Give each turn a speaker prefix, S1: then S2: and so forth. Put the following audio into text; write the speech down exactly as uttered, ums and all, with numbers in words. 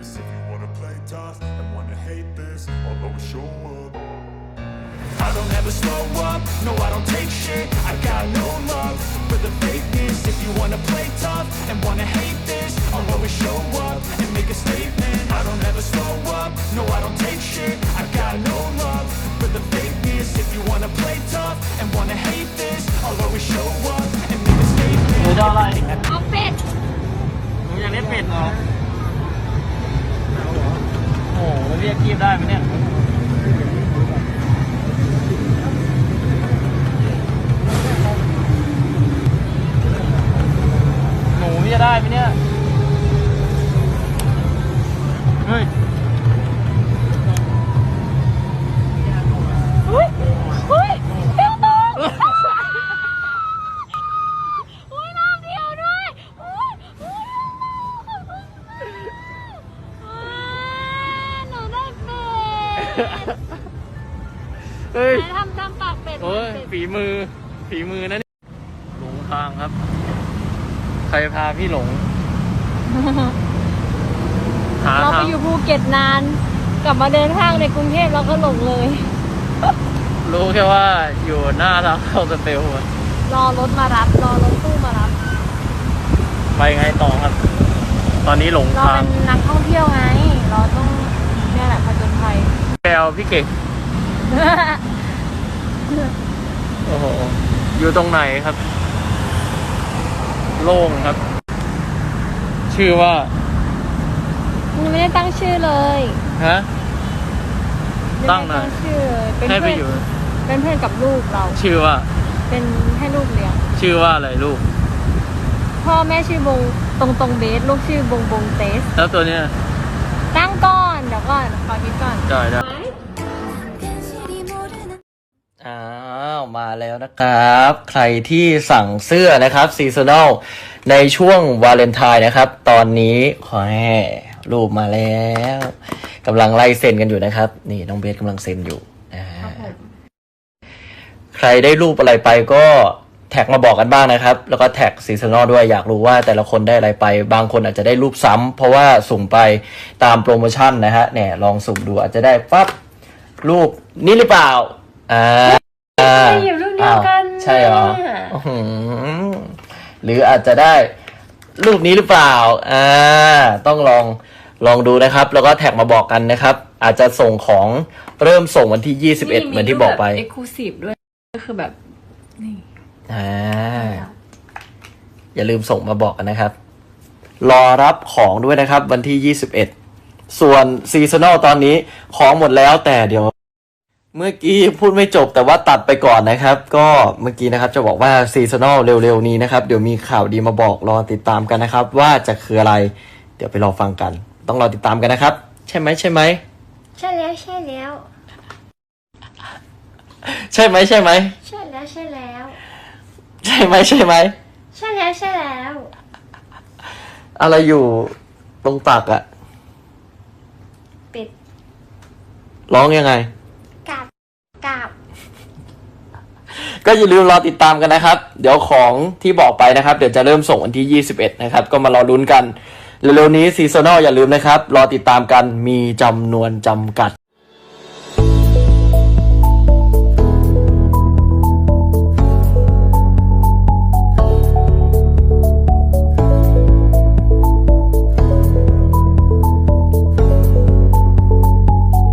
S1: this. If you wanna play tough and wanna hate this, I'll always show up. I don't ever slow up, no I don't take shit. I got no love for the fakeness. If you wanna play tough and wanna hate this, I'll always show up and make a statement. I don't ever slow up, no I don't take shit. I got no love for the fakeness. If you wanna play tough and wanna hate this, I'll always show up and make a statement.
S2: หนูจะอะไร
S3: เอาเป็ด
S2: หนูอยากเล่นเป็ดเหรอโอ้โหมันเรียกคีบได้ไหมเนี่ยหนูจะได้ไหมเนี่ยเฮ้ย
S3: เฮ้ยเฮ้ยเที่ยวตรงโอ้ยน้ำเดียวด้วยโอ้ยโอ้ยขอบคุณมากว้าวหนูได้เป็ด
S2: เฮ้ย
S3: ไหนทำทำปากเป็ด
S2: โอ้ย
S3: เป็ด
S2: ฝีมือฝีมือนะเนี่ยหลงทางครับ ใครพาพี่หลง หา
S3: เราไป
S2: ทาง
S3: อยู่ภูเก็ตนาน กลับมาเดินห้างในกรุงเทพเราก็หลงเลย
S2: รู้แค่ว่าอยู่หน้าทางเข้าสเตลอะ
S3: รอรถมารับ รอรถตู้มารับ
S2: ไปไงต่อครับ ตอนนี้หลง
S3: เรา
S2: ทาง
S3: เป็นนักท่องเที่ยวไง เราต้องเนี่ยแหละผจญภัย
S2: แปลพี่เก่งโอ้โหอยู่ตรงไหนครับ โล่งครับ ชื่อว่า
S3: มึงไม่ได้ตั้งชื่อเลย
S2: ฮะ
S3: ไม่
S2: ตั้
S3: ได้
S2: งหน่อย
S3: ชื่อเลยเป็น
S2: ให้ไป
S3: เพื่อน
S2: อยู่
S3: เป็นเพื่อนกับลูกเรา
S2: ชื่อว่า
S3: เป็นให้ลูกเลี้ยง
S2: ชื่อว่าอะไรลูก
S3: พ่อแม่ชื่อบงตรงตรงเบส ลูกชื่อบงบงเตส
S2: แล้วตัวเนี้ย
S3: ตั้งก่อน เดี๋ยวก่อน ขอคิดก่อน
S2: ได้ได้อ้าวมาแล้วนะครับ ใครที่สั่งเสื้อนะครับซีซันอลในช่วงวาเลนไทน์นะครับ ตอนนี้ขอให้รูปมาแล้วกำลังไล่เซ็นกันอยู่นะครับ นี่น้องเบสกำลังเซ็นอยู่นะฮะใครได้รูปอะไรไปก็แท็กมาบอกกันบ้างนะครับ แล้วก็แท็กซีซันอลด้วยอยากรู้ว่าแต่ละคนได้อะไรไป บางคนอาจจะได้รูปซ้ำเพราะว่าสุ่มไปตามโปรโมชั่นนะฮะเนี่ยลองสุ่มดูอาจจะได้ปั๊บรูปนี้หรือเปล่าอ่า
S3: ไปอยู่รูปเดียวกัน
S2: ใช่เหรออื้อหือหรืออาจจะได้รูปนี้หรือเปล่าอ่าต้องลองลองดูนะครับ แล้วก็แท็กมาบอกกันนะครับ อาจจะส่งของเริ่มส่งวันที่ยี่สิบเอ็ดเหมือนที่บอกไป
S3: เอ็กซ์คลูซีฟด้วย ก็คือแบบ นี่
S2: อ่าอย่าลืมส่งมาบอกกันนะครับ รอรับของด้วยนะครับวันที่ยี่สิบเอ็ดส่วนซีซันอลตอนนี้ของหมดแล้วแต่เดี๋ยวเมื่อกี้พูดไม่จบแต่ว่าตัดไปก่อนนะครับ ก็เมื่อกี้นะครับจะบอกว่าซีซันอลเร็วๆนี้นะครับเดี๋ยวมีข่าวดีมาบอกรอติดตามกันนะครับ ว่าจะคืออะไร เดี๋ยวไปรอฟังกัน ต้องรอติดตามกันนะครับ ใช่ไหมใช่ไหม
S3: ใช่แล้วใช่แล้ว
S2: ใช่ไหมใช่ไหม
S3: ใช่แล้วใช่แล้ว
S2: ใช่ไหมใช่ไหม
S3: ใช่แล้วใช่แล้ว
S2: อะไรอยู่ตรงตักอะ
S3: เป็ด
S2: ร้องยังไง
S3: กาบกาบ
S2: ก็อย่าลืมรอติดตามกันนะครับ เดี๋ยวของที่บอกไปนะครับ เดี๋ยวจะเริ่มส่งวันที่ยี่สิบเอ็ดนะครับ ก็มารอลุ้นกัน เร็วๆนี้ซีซันอลอย่าลืมนะครับ รอติดตามกันมีจำนวนจำกัด